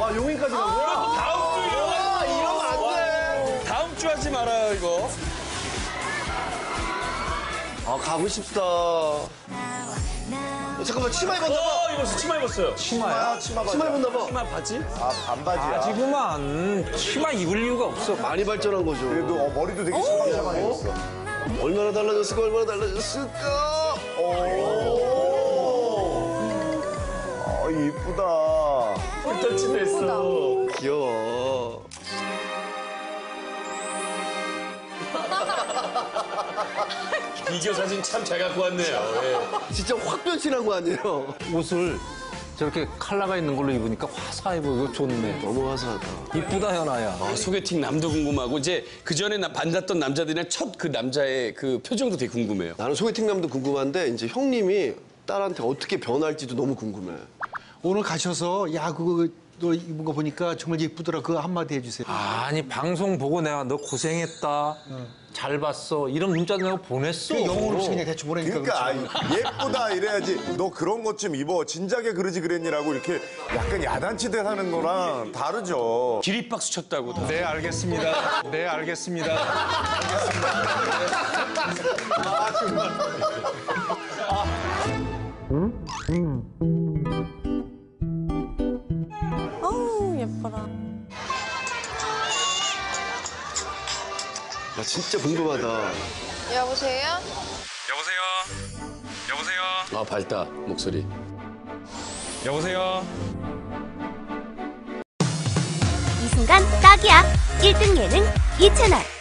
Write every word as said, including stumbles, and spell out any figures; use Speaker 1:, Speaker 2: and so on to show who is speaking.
Speaker 1: 와, 용인까지 간 거야?
Speaker 2: 다음 주 이러면
Speaker 1: 와, 이러면 안 돼.
Speaker 2: 다음 주 하지 말아요, 이거.
Speaker 1: 아, 가고 싶다. 어, 잠깐만, 치마 입었나 봐.
Speaker 2: 어, 입었어. 치마 입었어요.
Speaker 3: 치마야? 치마 바지.
Speaker 1: 치마 입었나 봐.
Speaker 2: 치마 바지?
Speaker 3: 아, 반바지야.
Speaker 4: 바지구만. 치마 입을 이유가 없어.
Speaker 1: 많이 발전한 거죠.
Speaker 3: 그래도 어, 머리도 되게 샤방샤방해졌어.
Speaker 1: 얼마나 달라졌을까, 얼마나 달라졌을까.
Speaker 3: 오. 어, 이쁘다.
Speaker 2: 터치됐어.
Speaker 1: 귀여워.
Speaker 2: 비디오 사진 참 잘 갖고 왔네요. 예.
Speaker 1: 진짜 확 변신한 거 아니에요?
Speaker 4: 옷을 저렇게 컬러가 있는 걸로 입으니까 화사해 보이고 좋네.
Speaker 1: 너무 화사하다.
Speaker 4: 이쁘다, 현아야.
Speaker 2: 아, 소개팅 남도 궁금하고 이제 그 전에 만났던 남자들이랑 첫 그 남자의 그 표정도 되게 궁금해요.
Speaker 1: 나는 소개팅남도 궁금한데 이제 형님이 딸한테 어떻게 변할지도 너무 궁금해.
Speaker 5: 오늘 가셔서 야 그거 너 입은 거 보니까 정말 예쁘더라. 그거 한마디 해주세요.
Speaker 4: 아니, 방송 보고 내가 너 고생했다. 잘 봤어. 이런 문자 내가 보냈어.
Speaker 5: 그 영어로 없이 그냥 대충 보내니까
Speaker 3: 그러니까
Speaker 5: 그렇지.
Speaker 3: 아이, 예쁘다 이래야지. 너 그런 것 좀 입어. 진작에 그러지 그랬니라고 이렇게 약간 야단치듯 하는 거랑 다르죠.
Speaker 2: 기립박수 쳤다고. 다.
Speaker 4: 네, 알겠습니다. 네, 알겠습니다.
Speaker 6: 어우, 예뻐라.
Speaker 1: 나 진짜 궁금하다.
Speaker 6: 여보세요?
Speaker 4: 여보세요? 여보세요?
Speaker 2: 아, 밝다, 목소리.
Speaker 4: 여보세요?
Speaker 7: 이 순간 딱이야. 일 등 예능 이 채널.